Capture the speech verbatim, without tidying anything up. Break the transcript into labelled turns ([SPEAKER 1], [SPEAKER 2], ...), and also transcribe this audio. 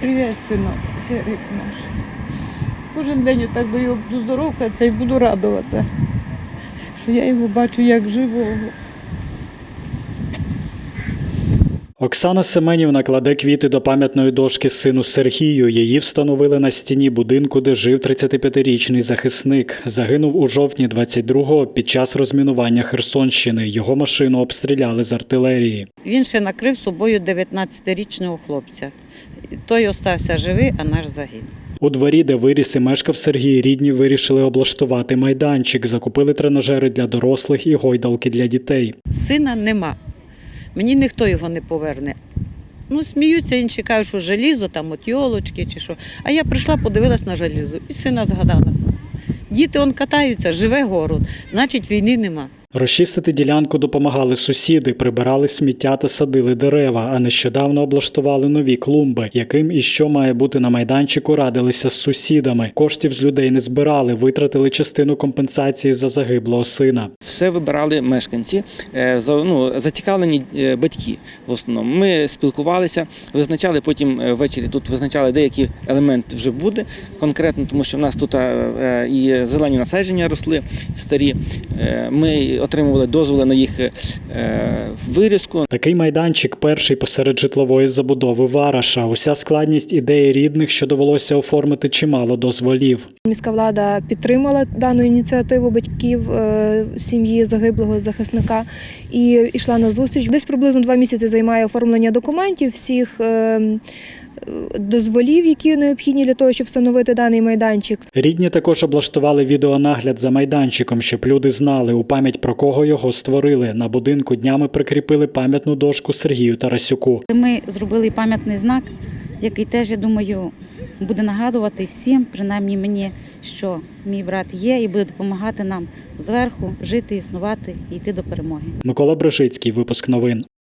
[SPEAKER 1] Привіт, синок, Серик наш. Кожен день отак до його буду здоровкатися і буду радуватися, що я його бачу як живого.
[SPEAKER 2] Оксана Семенівна кладе квіти до пам'ятної дошки сину Сергію. Її встановили на стіні будинку, де жив тридцятип'ятирічний захисник. Загинув у жовтні двадцять другого під час розмінування Херсонщини. Його машину обстріляли з артилерії.
[SPEAKER 3] Він ще накрив собою дев'ятнадцятирічного хлопця. Той остався живий, а наш загинув.
[SPEAKER 2] У дворі, де виріс і мешкав Сергій, рідні вирішили облаштувати майданчик. Закупили тренажери для дорослих і гойдалки для дітей.
[SPEAKER 3] Сина нема. Мені ніхто його не поверне. Ну, сміються, інші кажуть, що желізо, там от йолочки чи що. А я прийшла, подивилась на желізо і сина згадала. Діти он катаються, живе город, значить війни нема.
[SPEAKER 2] Розчистити ділянку допомагали сусіди, прибирали сміття та садили дерева, а нещодавно облаштували нові клумби. Яким і що має бути на майданчику, радилися з сусідами. Коштів з людей не збирали, витратили частину компенсації за загиблого сина.
[SPEAKER 4] Все вибирали мешканці, ну, зацікавлені батьки в основному. Ми спілкувалися, визначали потім ввечері, тут визначали, деякий елемент вже буде конкретно, тому що в нас тут і зелені насадження росли старі. Ми отримували дозволи на їх вирізку.
[SPEAKER 2] Такий майданчик перший посеред житлової забудови Вараша. Уся складність ідеї рідних, що довелося оформити чимало дозволів.
[SPEAKER 5] Міська влада підтримала дану ініціативу батьків сім'ї загиблого захисника і йшла на зустріч. Десь приблизно два місяці займає оформлення документів, всіх дозволів, які необхідні для того, щоб встановити даний майданчик.
[SPEAKER 2] Рідні також облаштували відеонагляд за майданчиком, щоб люди знали, у пам'ять про кого його створили. На будинку днями прикріпили пам'ятну дошку Сергію Тарасюку.
[SPEAKER 6] Ми зробили пам'ятний знак, який теж, я думаю, буде нагадувати всім, принаймні мені, що мій брат є і буде допомагати нам зверху жити, існувати і йти до перемоги.
[SPEAKER 2] Микола Брижицький, випуск новин.